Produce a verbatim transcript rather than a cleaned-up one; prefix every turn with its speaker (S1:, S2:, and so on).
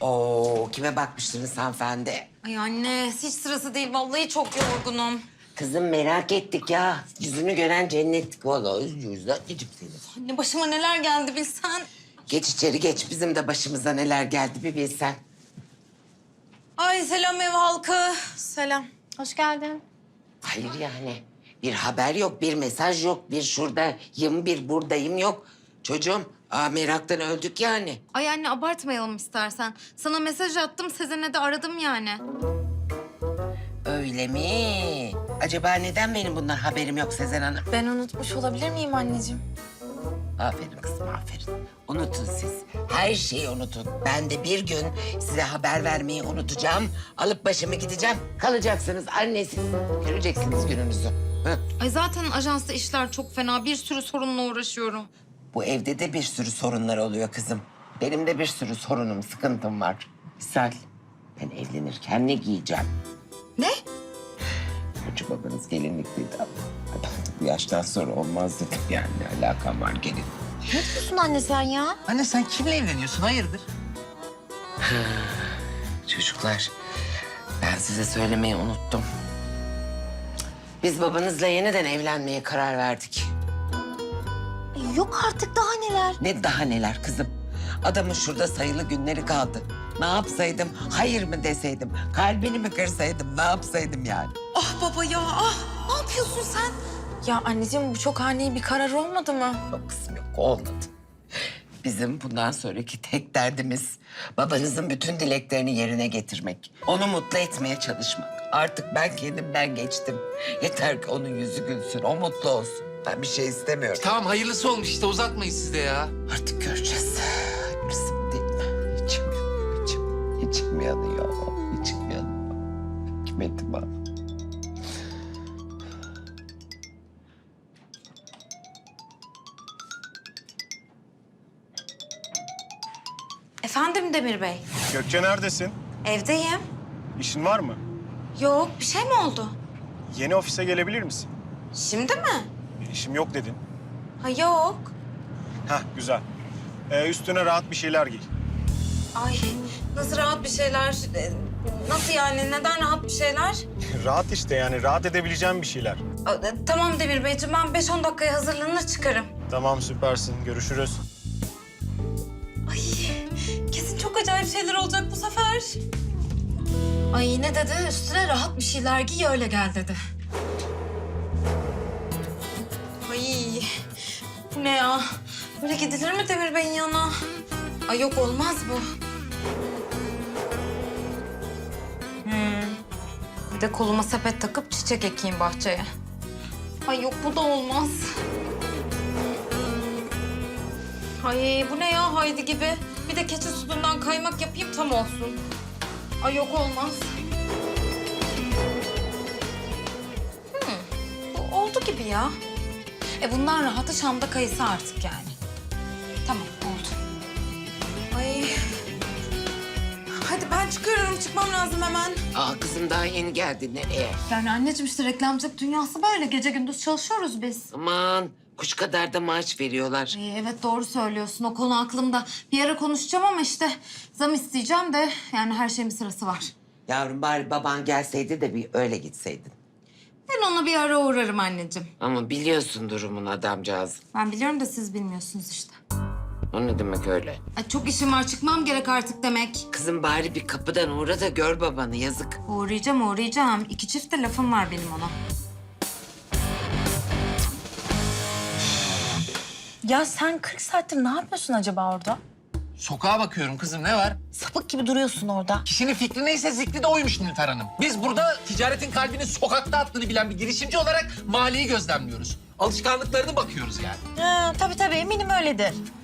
S1: Oo, kime bakmıştınız hanımefendi?
S2: Ay anne hiç sırası değil. Vallahi çok yorgunum.
S1: Kızım merak ettik ya. Yüzünü gören cennettik vallahi. Yüzler geciktiniz.
S2: Anne başıma neler geldi bilsen.
S1: Geç içeri geç. Bizim de başımıza neler geldi bir bilsen.
S2: Ay selam ev halkı. Selam.
S3: Hoş geldin.
S1: Hayır yani. Bir haber yok, bir mesaj yok, bir şuradayım, bir buradayım yok. Çocuğum, aa, meraktan öldük yani.
S2: Ay anne abartmayalım istersen. Sana mesaj attım, Sezen'e de aradım yani.
S1: Öyle mi? Acaba neden benim bundan haberim yok Sezen Hanım?
S3: Ben unutmuş olabilir miyim anneciğim?
S1: Aferin kızım, aferin. Unutun siz. Her şeyi unutun. Ben de bir gün size haber vermeyi unutacağım. Alıp başımı gideceğim. Kalacaksınız annesiz. Göreceksiniz gününüzü. Hı.
S2: Ay zaten ajansta işler çok fena. Bir sürü sorunla uğraşıyorum.
S1: Bu evde de bir sürü sorunlar oluyor kızım. Benim de bir sürü sorunum, sıkıntım var. Misal, ben evlenirken ne giyeceğim?
S2: Ne?
S1: Önce babanız gelinlikliydi ama bu yaştan sonra olmaz dedim yani. Ne alakam var gelin.
S3: Ne diyorsun anne sen ya?
S4: Anne sen kimle evleniyorsun? Hayırdır?
S1: Çocuklar, ben size söylemeyi unuttum. Biz babanızla yeniden evlenmeye karar verdik.
S3: Yok artık daha neler.
S1: Ne daha neler kızım. Adamın şurada sayılı günleri kaldı. Ne yapsaydım, hayır mı deseydim, kalbini mi kırsaydım, ne yapsaydım yani?
S2: Ah baba ya ah. Ne yapıyorsun sen?
S3: Ya anneciğim bu çok ani bir karar olmadı mı?
S1: Yok kızım yok, olmadı. Bizim bundan sonraki tek derdimiz babanızın bütün dileklerini yerine getirmek. Onu mutlu etmeye çalışmak. Artık ben kendimden geçtim. Yeter ki onun yüzü gülsün, o mutlu olsun. Ben bir şey istemiyorum.
S4: Tamam hayırlısı olmuş işte uzatmayın siz de ya.
S1: Artık göreceğiz. Hayırlısı mı değil mi? İçim yanıyor, içim, içim yanıyor, içim yanıyor. Hikmetim ha.
S2: Efendim Demir Bey.
S5: Gökçe neredesin?
S2: Evdeyim.
S5: İşin var mı?
S2: Yok bir şey mi oldu?
S5: Yeni ofise gelebilir misin?
S2: Şimdi mi?
S5: İşim yok dedin.
S2: Ha yok.
S5: Hah güzel. Ee, üstüne rahat bir şeyler giy.
S2: Ay nasıl rahat bir şeyler? Ee, Nasıl yani? Neden rahat bir şeyler?
S5: Rahat işte yani rahat edebileceğim bir şeyler.
S2: Aa, e, Tamam Demir Beyciğim ben beş on dakikaya hazırlanır çıkarım.
S5: Tamam süpersin. Görüşürüz.
S2: Ay kesin çok acayip şeyler olacak bu sefer. Ay ne dedi? Üstüne rahat bir şeyler giy öyle gel dedi. Ay bu ne ya? Böyle gidilir mi Demir Bey'in yanına? Ay yok olmaz bu. Hmm. Bir de koluma sepet takıp çiçek ekeyim bahçeye. Ay yok bu da olmaz. Ay bu ne ya Haydi gibi. Bir de keçi sütünden kaymak yapayım tam olsun. Ay yok olmaz. Hmm, bu oldu gibi ya. E bundan rahatı Şam'da kayısı artık yani. Tamam oldu. Ay. Hadi ben çıkıyorum. Çıkmam lazım hemen.
S1: Aa kızım daha yeni geldi, nereye?
S2: Yani anneciğim işte reklamcılık dünyası böyle. Gece gündüz çalışıyoruz biz.
S1: Aman kuş kadar da maaş veriyorlar.
S2: Ay, evet doğru söylüyorsun. O konu aklımda. Bir ara konuşacağım ama işte zam isteyeceğim de yani her şeyin bir sırası var.
S1: Yavrum bari baban gelseydi de bir öyle gitseydin.
S2: Ben ona bir ara uğrarım anneciğim.
S1: Ama biliyorsun durumun adamcağız.
S2: Ben biliyorum da siz bilmiyorsunuz işte.
S1: O ne demek öyle?
S2: Ay, çok işim var çıkmam gerek artık demek.
S1: Kızım bari bir kapıdan uğra da gör babanı, yazık.
S2: Uğrayacağım uğrayacağım. İki çift de lafım var benim ona.
S3: Ya sen kırk saattir ne yapıyorsun acaba orada?
S4: Sokağa bakıyorum kızım ne var?
S3: Sapık gibi duruyorsun orada.
S4: Kişinin fikri neyse zikri de oymuş Nilüfer Hanım. Biz burada ticaretin kalbini sokakta attığını bilen bir girişimci olarak mahalleyi gözlemliyoruz. Alışkanlıklarını bakıyoruz yani.
S3: Ha, tabii tabii eminim öyledir.